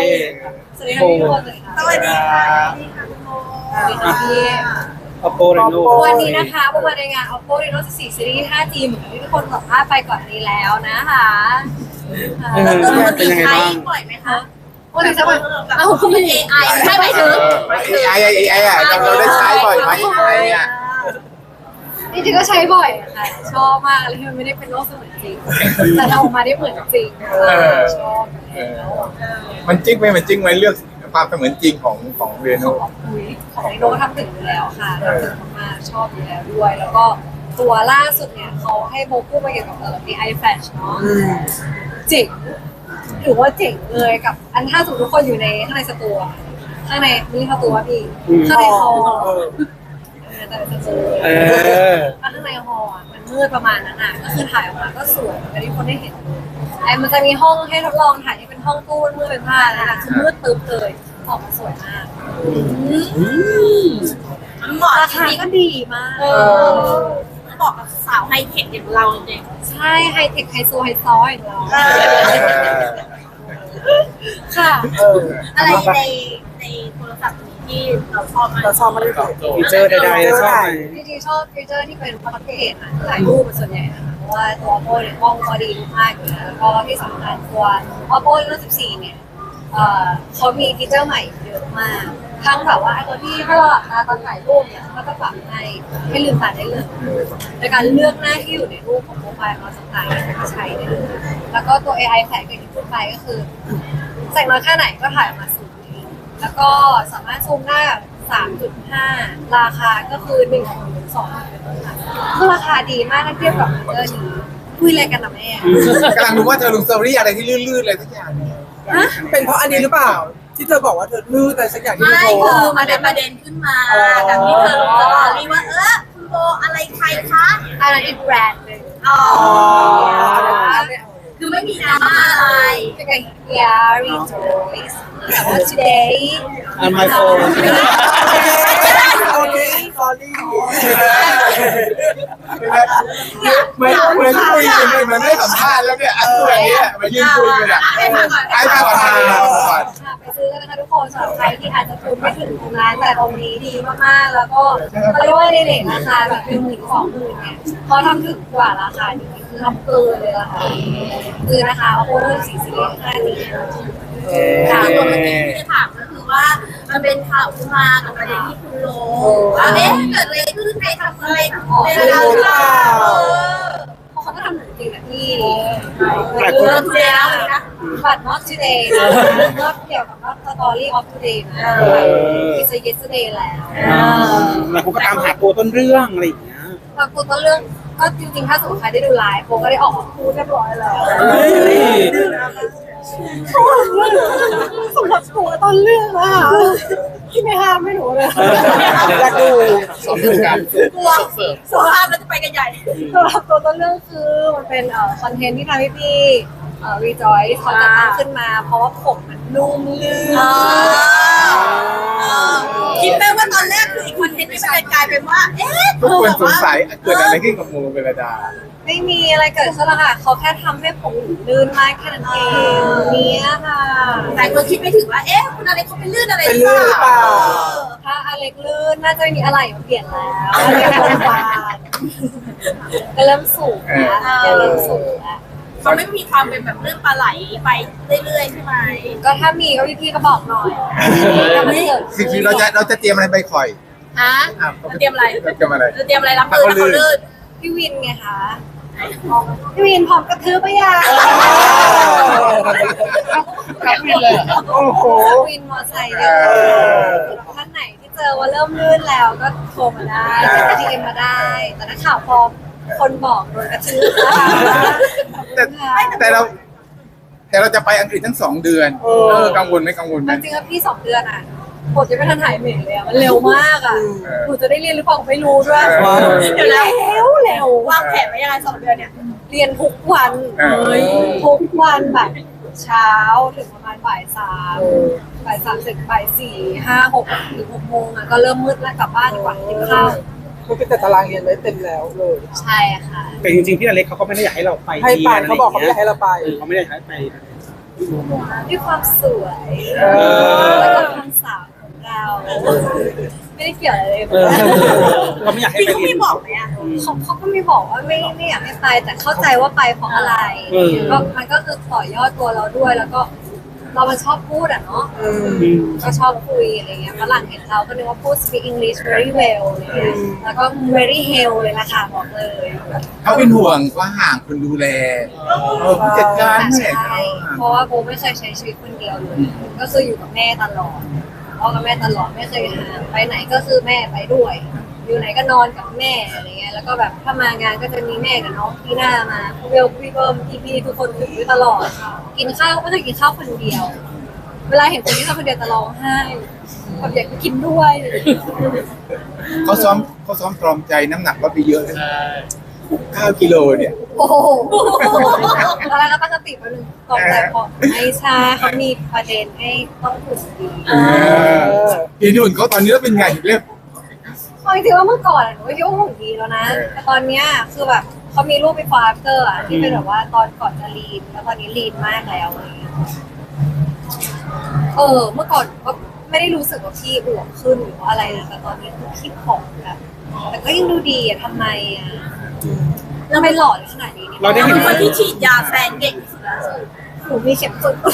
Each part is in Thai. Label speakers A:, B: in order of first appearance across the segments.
A: สวัสดีค่ะพี่ทุกคนเลยค่ะ
B: สวัสดีค่ะ
A: สวัสดีค่ะพี่
C: Oppo Reno
A: วันนี้นะคะพวกมาในงาน Oppo Reno 14 Series 5G เหมือนที่ทุกคนสัมภาษณ์ไปก่อนนี้แล้วนะคะ
C: เป็นยังไงบ้าง
B: บ่อยไหมคะ
A: วันนี้จะแบบเอาคุณเป็น AI ไม่ใช่หมายถึง
D: AI อ่ะเราได้ใช้บ่อยไหม AI อ่ะ
A: จริงๆก็ใช้บ่อยอะค่ะชอบมากเลยที่มันไม่ได้เป็นโลกเสมือนจริงแต่เราออกมาได้เหมือนจริงชอบแล้ว
D: มันจริงไหมเลือกความเสมือนจริงของเรโน่
A: ของไอโนทำถึงอยู่แล้วค่ะทำถึงมากๆชอบอยู่แล้วด้วย แล้วก็ตัวล่าสุดเนี่ยเขาให้โบกู้มาเกี่ยวกับAI Flash เนาะเจ๋งถือว่าเจ๋งเลยกับอันถ้าสมมติทุกคนอยู่ในข้างในสตูอะข้างในนี่สตูวะพี่ข้างในฮอลแต่ในสตูข้างในฮอลอ่ะมันมืดประมาณนั้นอ่ะก็คือถ่ายออกมาก็สวยแต่ที่คนได้เห็นไอ้มันจะมีห้องให้ทดลองถ่ายที่เป็นห้องตู้มืดเป็นผ้านะคะคือมืดตึ๊บเลยออกมาสวยมาก
B: เหมาะ
A: รา
B: จ
A: คา
B: ริง
A: ก็ดีมาก
B: ๆเหมาะกับสาวไฮเทคอย่างเราจริง
A: ใช่ไฮเทคไฮโซไฮซอยของเราค่ะ
B: อะไรในโทรศัพท์นี้ที่เราชอบมาก
E: เราชอบมากที่สุด
C: ฟีเจอร์ใดๆชอบไหม
A: จริงๆชอบฟีเจอร์ที่เป็นพอร์เทรตนะถ่ายรูปเป็นส่วนใหญ่นะคะเพราะว่าตัว Oppo เนี่ยกล้องก็ดีมากอยู่แล้วแล้วก็ที่สำคัญตัว Oppo Reno 14 เนี่ยเขามีฟีเจอร์ใหม่เยอะมากทั้งแบบว่าไอ้ตัวที่ถ้าเราหลับตาตอนถ่ายรูปเนี่ยก็จะปรับให้ลืมตาได้เลยในการเลือกหน้าที่อยู่ในรูปของโปรไฟล์ของเราต่างๆก็ใช้ได้เลยแล้วก็ตัว AI แฝงกับที่พูดไปก็คือแสงน้อยแค่ไหนก็ถ่ายออกมาสวยแล้วก็สามารถซูมได้แบบ 3.5 ราคาก็คือ1 2เป็นต้นค่ะคือราคาดีมากถ้าเทียบกับฟีเจอร์นี้คุยอะไรกันนะแม่
D: กำลังรู้ว่าเธอลงสตอรี่อะไรที่ลื่นๆอะไรทุกอย่างเนี่ย
E: เป็นเพราะอันนี้หรือเปล่า ที่เธอบอกว่าเธอลื้อแต่สักอย่างที่
B: ไม่
E: เธอโพ
B: คื
E: ส
B: อ
E: ต์
B: มันเป็นประเด็นขึ้นมาจากที่เธอลงสตอรี่ว่าคุณโบอะไรใครคะ
A: อันนั้นอีกแบรนด์หนึ่ง
B: อ๋อคือไม่มีดราม่าอะไร
A: เป็นไง Yeah rejoice แต่ว่า today
C: On my phone
E: โอเคสอรี่
D: เหมือนคุยกันเหมือนได้สัมภาษณ์แล้วเนี่ยตัวนี้มายืนคุยกันอ่ะ
B: ให้ฟังก่อน
D: ไอ้มาก่อน
A: ค่ะไปซื้อกันนะคะทุกคนสำหรับใครที่อาจจะทุนไม่ถึงตรงนั้นแต่ตรงนี้ดีมากๆแล้วก็เขาเรียกว่าในเรทราคาแบบ1-20,000เนี่ยเขาทำถึงกว่าราคานี้คือทำเกินเลยราคาคือนะคะ Oppo Reno 14 Series 5G
B: ค่ะตัวเมื่อกี้ที่จะถามก็คือว่ามันเป็นข่าวขึ้นมากับประเด็นที่คุณลงว่าเกิดอะไรขึ้นใครทำอะไรในเวลาเปล่า
A: เพราะเขาก็ทำหนังจริงนะพี่
C: หลายคน
B: เริ่มแล้วนะ
A: บัตร not today นะก็เกี่ยวกับ not story of today นะ it's a yesterday แล้ว
C: หลายคนก็ตามหาตัวต้นเรื่องอะไรอย่างเงี้ย
A: บางคนก็เรื่องก็จริงๆถ้าสมมติใครได้ดูไลฟ์โบก็ได้ออกมาพูดเรียบร้อยแล้วสำหรับหนูต้นเรื่องอะที่ไม่ห้ามไม่หนูเลย
E: อยากดู
D: สอบการ
B: กลัวสภาพแล้วจะไปกันใหญ่
A: สำหรับตัวต้นเรื่องคือมันเป็นคอนเทนต์ที่ทำให้พี่rejoice เขาจะตั้งขึ้นมาเพราะว่าผมมันนุ่มลื่น
B: คิดไหมว่าตอนแรกคืออีกคอนเทนต์ที่มันกลายเป็นว่า
D: ทุกคนสงสัยเกิดอะไรขึ้นกับโมเวลดา
A: ไม่มีอะไรเกิดขึ้นหรอกค่ะเขาแค่ทำให้ผมลื่นมากแค่นั้นเองเนี่ยค่ะ
B: แต่คนคิดไม่ถึงว่าคุณอะไรเขาเป็นลื่นอะไร
E: เป็นลื่นหรือเปล่า
A: ถ้าอเล็กลื่นน่าจะมีอะไรมาเปลี่ยนแล้วอเล็กโรงพยาบาลก็เริ่มสูงแล้วเริ่มสูงแล้ว
B: เขาไม่มีความเป็นแบบเรื่องปลาไหลไปเรื่อยๆใช่ไหม
A: ก็ถ้ามีก็พี่ๆก็บอกหน่อยถ้ามันเกิด
D: สิ่งที่เราจะเตรียมอะไรไปคอย
A: ฮะ
B: เตรียมอะไร
D: เตรียมอะไร
B: เตรียมอะไรรับมือถ้าเขาลื่น
A: พี่วินไงคะพี่วินพร้อมกระทืบปะยา
D: ครับวินเลยโอ้โห
A: วินมอไซค์เลยท่านไหนที่เจอว่าเริ่มลื่นแล้วก็โทรมาได้ทีเอ็มมาได้ แต่ถ้าข่าวพอคนบอกโดนกระทืบนะคะ
D: แต่เราจะไปอังกฤษทั้ง2 เดือนกังวลไหม
A: จริงๆแล้วพี่2 เดือนอ่ะผมจะไม่ทันถ่ายเหม่เลยอ่ะมันเร็วมากอ่ะหนูจะได้เรียนหรือเปล่าไม่รู้ด้วย
B: เดี๋ยวแล้ว
A: เร็ว
B: วางแผนไว้ยังไง2 เดือนเนี่ย
A: เรียนทุกวันทุกวันแบบเช้าถึงประมาณบ่าย 3เสร็จบ่าย 4 5 6 ถึง 6 โมงอ่ะก็เริ่มมืดแล้วกลับบ้านดีกว่ากินข้าว
E: มันเป็นแต่ตารางเรียนไว้เต็มแล้วเลย
A: ใช่ค่ะ
C: แต่จริงๆพี่อเล็กเขาก็ไม่ได้อยากให้เราไป
E: ให้ไปเขาบอกเขาไม่อยากให้เราไป
C: เขาไม่ได้อยากให้ไป
A: ด้วยความสวยแล้วก็ความสาวของเราไม่ได้เกี่ยวอะไรเลย
C: เราไม่อยากให้
B: พี่
C: ไป
B: เขา
C: เรีย
B: ไม่
C: น
B: บอกไหมอะ
A: เขาก็ไม่บอกว่าไม่อยากให้ไปแต่เข้าใจว่าไปเพราะอะไร ก็มันก็คือต่อยอดตัวเราด้วยแล้วก็เรามันชอบพูดอ่ะเนาะก็ชอบคุยอะไรเงี้ยฝรั่งเห็นเราก็นึกว่าพูด speak English very well อะไรเงี้ยแล้วก็ very hell เลยล่ะค่ะบอกเลย
D: เขาเป็นห่วงว่าห่างคนดูแลผู้จัดการ
A: แต่
D: แม่
A: ใช่เพราะว่าโบไม่เคยใช้ชีวิตคนเดียวเลยก็คืออยู่กับแม่ตลอดพ่อกับแม่ตลอดไม่เคยห่างไปไหนก็คือแม่ไปด้วย อยู่ไหนก็นอนกับแม่อะไรเงี้ยแล้วก็แบบถ้ามางานก็จะมีแม่กับน้องพี่หน้ามาพี่เบลพี่เบิ้มพี่ทุกคนอยู่ด้วยตลอดกินข้าวก็เคยกินข้าวคนเดียว เวลาเห็นคนที่ทำคนเดียวจะร้องไห้แบบอยากกินด้วย
D: เขาซ้อมตรอมใจน้ำหนักลดไปเยอะเลย9 กิโลเนี่ย
A: โอ้โหตอนแรกก็ตั้งสติไปหนึ่งตกใจพอไม่ใช่เขามีประเด็นให้ต้องถูกดี
D: พี่นุ่นเขาตอนนี้แล้วเป็นไงเรียบ
A: เอาจริงๆว่าเมื่อก่อนหนูก็คิดว่าหุ่นดีแล้วนะ แต่ตอนเนี้ยคือแบบเขามีรูปไปฟาร์เตอร์อะที่เป็นแบบว่าตอนก่อนจะลีนแล้วตอนนี้ลีนมากแล้วอะไรอย่างเงี้ยเมื่อก่อนก็ไม่ได้รู้สึกว่าพี่อ้วนขึ้นหรือว่าอะไรนะแต่ตอนนี้คือพี่ผอมแบบแต่ก็ยังดูดีอะทำไมอะแล้วไม่หล่อเลยขนาดนี้เนี่ย
C: เราได้
B: เป็
C: เห็น
B: นคนที่ฉีดยาแฟนเก่งที่สุดแล้ว
A: หนูมีเข็มสุด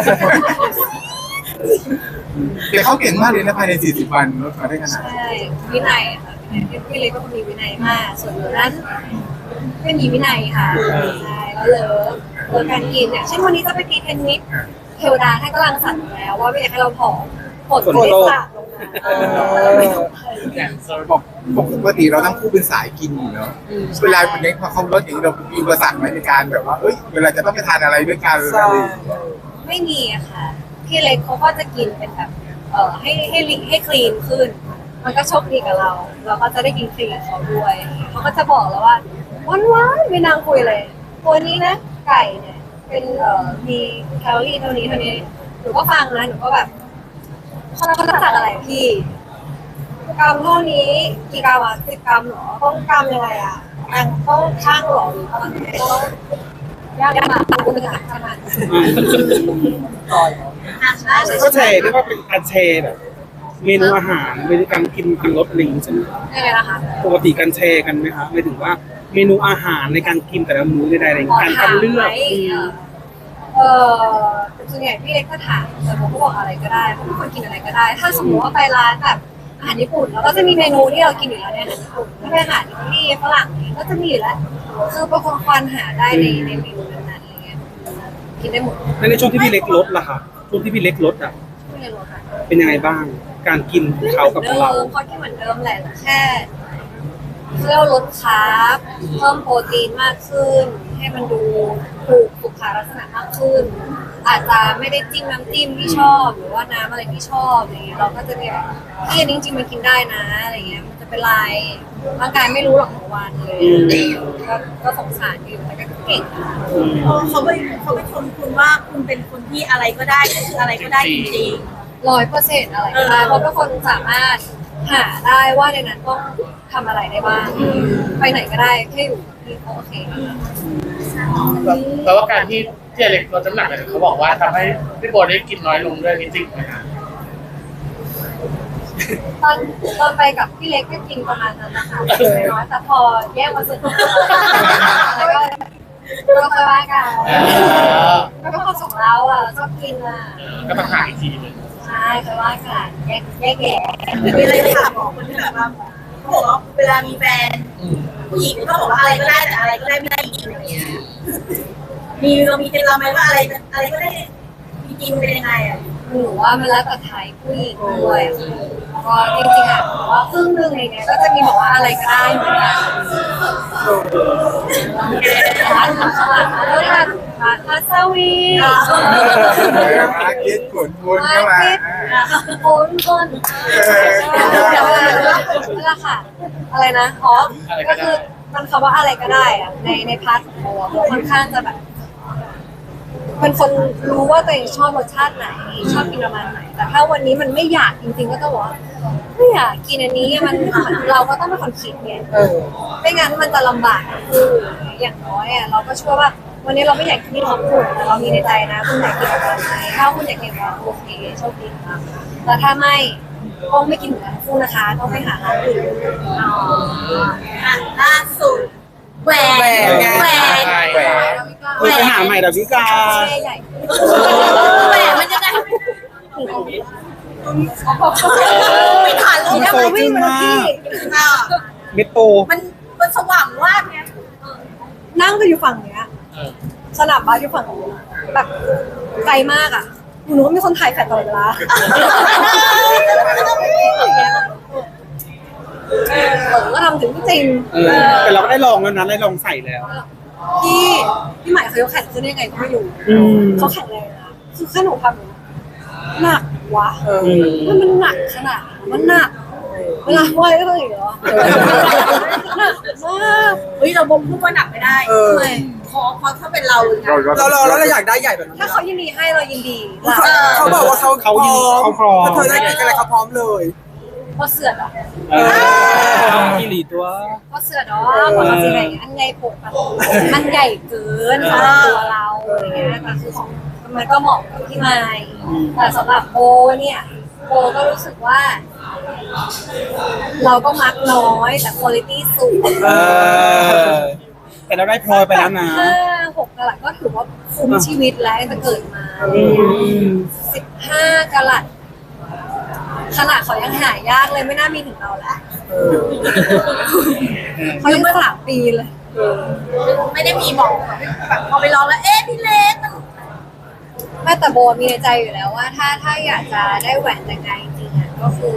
D: แต่เขาเก่งมากเลยนะภายใน40 วันลดมาได้ขนาด
A: ใช่วินัยค่ะพี่เล็กเป็นคนมีวินัยมาก ส่วนหนูนั้นไม่มีวินัยค่ะใช่แล้วเลิกการกินเนี่ยเช่นวันนี้จะไปตีเทนนิสเทวดาให้กำลังสั่งอยู่แล้วว่าไม่อยากให้เราผอมผลไม่สาบลงมา
D: ปกติเราทั้งคู่เป็นสายกินอยู่เนาะเวลาเป็นเล็กพอเขาลดอย่างนี้เรามีอุปสรรคไหมในการแบบว่าเอ้ยเวลาจะต้องไปทานอะไรด้วยกันอะไรอย่างเงี้ย
A: ไม่มีอะค่ะพี่เล็กเขาก็จะกินเป็นแบบให้คลีนขึ้น มันก็โชคดีกับเรา เราก็จะได้กินคลีนกับเขาด้วยเขาก็จะบอกแล้วว่าวันไม่นางคุยเลยตัวนี้นะไก่เนี่ยเป็นมีแคลอรี่เท่านี้หนูก็ฟังนะหนูก็แบบเขาจะสั่งอะไรพี่กรัมเท่านี้กี่กรัมอ่ะ10 กรัมเหรอต้องกรัมยังไงอ่ะต้องช่างเหรอหรือต้องยากมากคุณจะขนาด
C: ก็แชร์เรียกว่าเป็นการแชร์แบบเมนูอาหารเมนูการกินการลดลิงใช่ไหม
A: ยังไงนะคะ
C: ปกติการแชร์กันไหมคะหมายถึงว่าเมนูอาหารในการกินแต่ละมื้อใดๆอะไรอย่างเงี้ยการคัดเลือก
A: ส่วนใหญ่พี่เล็กก็ถามแต่ผมก็บอกอะไรก็ได้ผมเป็นคนกินอะไรก็ได้ ถ้าสมมติว่าไปร้านแบบอาหารญี่ปุ่นเราก็จะมีเมนูที่เรากินอยู่แล้วในอาหารญี่ปุ่นถ้าเป็นอาหารอิตาลีฝรั่งเนี่ยก็จะมีอยู่แล้วคือเป็นคนควานหาได้ในเมนูนั้นๆอะไรเงี้ยกินได้หมด
C: และในช่วงที่พี่เล็กลดล่ะคะช่วงที่พี่เล็กลดอ่ะ
A: ไม่เลยหรอกค่ะ
C: เป็นยังไงบ้าง การกินของเขากับของเรา
A: เขากินเหมือนเดิมแหละแต่แค่เรียกว่าลดคาร์บเพิ่มโปรตีนมากขึ้น ให้มันดูถูกสุขลักษณะมากขึ้น อาจจะไม่ได้จิ้มน้ำจิ้มที่ชอบหรือว่าน้ำอะไรที่ชอบอะไรเงี้ยเราก็จะแบบที่อันนี้จริงๆมันกินได้นะอะไรเงี้ยมันจะเป็นไรร่างกายไม่รู้หรอกของวันเลยก็สงสารอยู่แต่ก็เก่งนะ
B: เขาไปชมคุณว่าคุณเป็นคนที่อะไรก็ได้ก็คืออะไรก็ได้จริง
A: 100%อะไรก็ได้เพราะทุกคนสามารถหาได้ว่าในนั้นต้องทำอะไรได้บ้างไปไหนก็ได้แค่อยู่ที่โอเค
F: แปลว่าการที่เจเล็กลดน้ำหนักเนี่ยเขาบอกว่าทำให้พี่โบได้กินน้อยลงด้วยนี่จริงไหมคะ
A: ตอนไปกับพี่เล็กก็กินประมาณนั้นนะคะน้อยแต่พอแยกมาสุดแล้วก็ค่อยว่ากันก็ความสุขเราอ่ะชอบกินอ่ะ
F: ก็ต้องหาอีกทีหนึง
A: ใช่ค่อยว่ากันแยกแยะ
B: ๆมีอะไรจะถามบอกคนที่แบบว่าเขาบอกว่าเวลามีแฟนผู้หญิงก็บอกว่าอะไรก็ได้แต่อะไรก็ได้ไม่ได้จริงอย่างเงี้ยเรามีเคล็ดลับไหมว่าอะไรก็ได้จริงๆเป็นยังไงอ่ะ
A: หนูว่ามันแล้วแต่ไทยผู้หญิงด้วยก็จริงๆอ่ะว่าครึ่งนึงอะไรเงี้ยก็จะมีบอกว่าอะไรก็ได้เหมือนกันร้านข้างหลังแล้วร้านคาซาวี
D: มาเก็ตขนวนเข้ามา
A: คนนั่นแหละค่ะ อะไรนะอ๋อก็คือมันคำว่าอะไรก็ได้อะในพาร์ทของโบอะโบค่อนข้างจะแบบเป็นคนรู้ว่าตัวเองชอบรสชาติไหน ชอบกินประมาณไหน แต่ถ้าวันนี้มันไม่อยากจริงๆก็ต้องบอกว่าไม่อยากกินอันนี้มันเราก็ต้องเป็นคนคิดไงไม่งั้นมันจะลำบากคืออย่างน้อยอ่ะเราก็เชื่อว่าวันนี้เราไม่อยากกินที่ท็อปฟูดแต่เรามีในใจนะคุณอยากกินอะไรไหมถ้าคุณอยากกินอะไรโอเคโชคดีครับแต่ถ้าไม่ต้องไม่กินเหมือนกันฟูนะคะต้องไปหาร้านอื่น
B: ล่าสุดแหวน
E: แหวน
D: แหวน
C: ไปหาใหม่ดาวิกา
A: แช่ใหญ่
B: แหวนมันจะได้ไม่ทันเลย
A: แล้วมันวิ่งมาที่
C: เมโต
B: มันสว่างมากเนี่ย
A: นั่งก็อยู่ฝั่งเนี้ยสนามบาสอยู่ฝั่งนู้นแบบไกลมากอ่ะหนูว่ามีคนถ่ายแฟลชตลอดเวลาก็ทำถึงจริง
C: แต่เราก็ได้ลองแล้วนะได้ลองใส่แล้ว
A: พี่ใหม่เขายกแข่งขึ้นได้ยังไงก็ไม่รู้เขาแข่งแรงนะคือแค่หนูทำหนักวะมันหนักขนาดมันหนักเวลาว่ายก็ต้องอย่างนี้เหรอหนักมาก
B: เฮ้ยเราบ่มพูดว่าหนักไม่ได้
A: ทำไม
B: พอถ้าเป็นเราเลยนะ
E: เราอยากได้ใหญ่แบบนั้น
A: ถ้าเขายินดีให้เรายินดี
E: เขาบอกว่าเขาพร้อมถ้าเธอได้กินอะไรเขาพร้อมเลย
A: พอเสือดอ่ะ
C: กิริตัว
A: พอเสือดอ๋อพอสิไหนอันใหญ่ปกมันใหญ่เกินสำหรับตัวเราอะไรเงี้ยแต่คือของมันก็เหมาะกับพี่ไม้แต่สำหรับโบเนี่ยโบก็รู้สึกว่า เราก็มักน้อยแต่คุณภาพสูง
C: แต่เราได้พลอยไปแล้วนะ
A: 6 กะรัตก็ถือว่าคุ้มชีวิตแล้วตั้งแต่เกิดมา15 กะรัตขนาดเขายังหายากเลยไม่น่ามีถึงเราแล้วเขายัง3 ปีเลย
B: ไม่ได้มีบอกแบบพอไปลองแล้วเอ๊ะพี่เล็กมัน
A: แม่แต่โบมีในใจอยู่แล้วว่าถ้าอยากจะได้แหวนแต่งงานจริงๆอ่ะก็คือ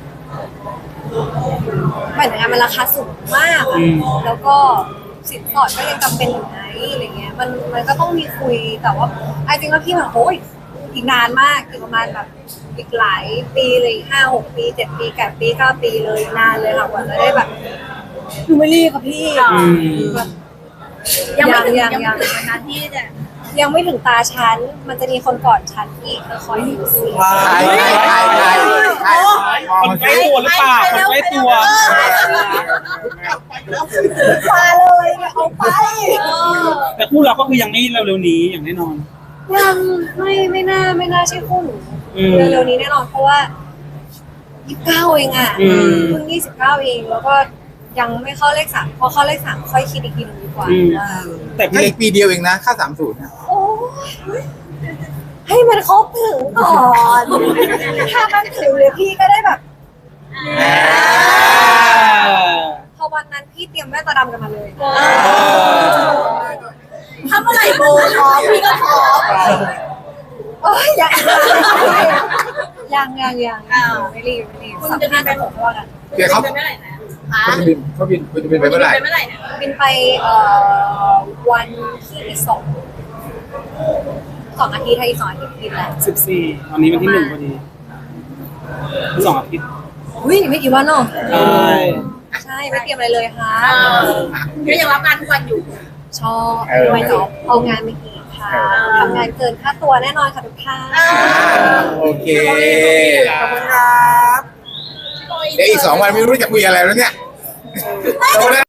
A: แหวนแต่งงานมันราคาสูงมากอ่ะแล้วก็สินสอดก็ยังจำเป็นอยู่ไหมอะไรเงี้ยมันก็ต้องมีคุยแต่ว่าไอ้จริงว่าพี่มันโอ้ยอีกนานมากอีกประมาณแบบอีกหลายปีเลย5-6 ปี7 ปี8 ปี9 ปีเลยนานเลยค่ะกว่าจะได้แบบดูไม่รีบค่ะพี่แบบ
B: ยังไม่ถึง
A: ยัง
B: วันนั้นที่เนี่ย
A: ยังไม่ถึงตาฉัน มันจะมีคนก่อนฉันอีกเธอคอยดูสิ
C: คนใกล้ตัวหรือเปล่าคนใกล้ตัว
A: มาเลยเอาไป
C: แต่คู่เราก็คือยังไม่เร็วๆนี้อย่างแน่นอน
A: ยังไม่น่าใช่คู่หนูเร็วๆนี้แน่นอนเพราะว่า29เองอ่ะเพิ่ง29เองแล้วก็ยังไม่เข้าเลข3พอเข้าเลข3ค่อยคิดอีกทีนึงดีกว่า
C: แต่
D: แค่
C: พี่
D: อีกปีเดียวเองนะค่า30นะ
A: โอ้ยให้มันครบถึงก่อน ถ้ามันถึงเลยพี่ก็ได้แบบ พอวันนั้นพี่เตรียมแว่นตาดำกันมาเลย
B: ถ้าเมื่อไหร่โบพร้อมพี่ก็พร้อม
A: โอ้ยยังไม่รีบสัมภาษณ์ไปผมว่ากัน
D: เดี๋ยวเขา
B: เป็นเมื่อไหร่นะ
D: คุณจะบินไปเมื่อไหร่
B: เป็นเมื่อไหร่นะ
A: บินไปวันที่2 อาทิตย์ถ้าอีก2 อาทิตย์บินแล้ว
C: 14วันนี้วันที่1พอดี2 อาทิตย์
A: อุ้ยไม่กี่วันเนาะ
C: ใช่
A: ใช่ไม่เตรียมอะไรเลยค่ะ
B: ก็ยังรับงานทุกวันอยู่
A: ชอบไม่จบเอางานไปอีกค่ะทำงานเกินค่าตัวแน่นอนค่ะทุกท่าน
D: โอเค
E: ขอบคุณครับ
D: เดี๋ยวอีก2 วันไม่รู้จะคุยอะไรแล้วเนี่ย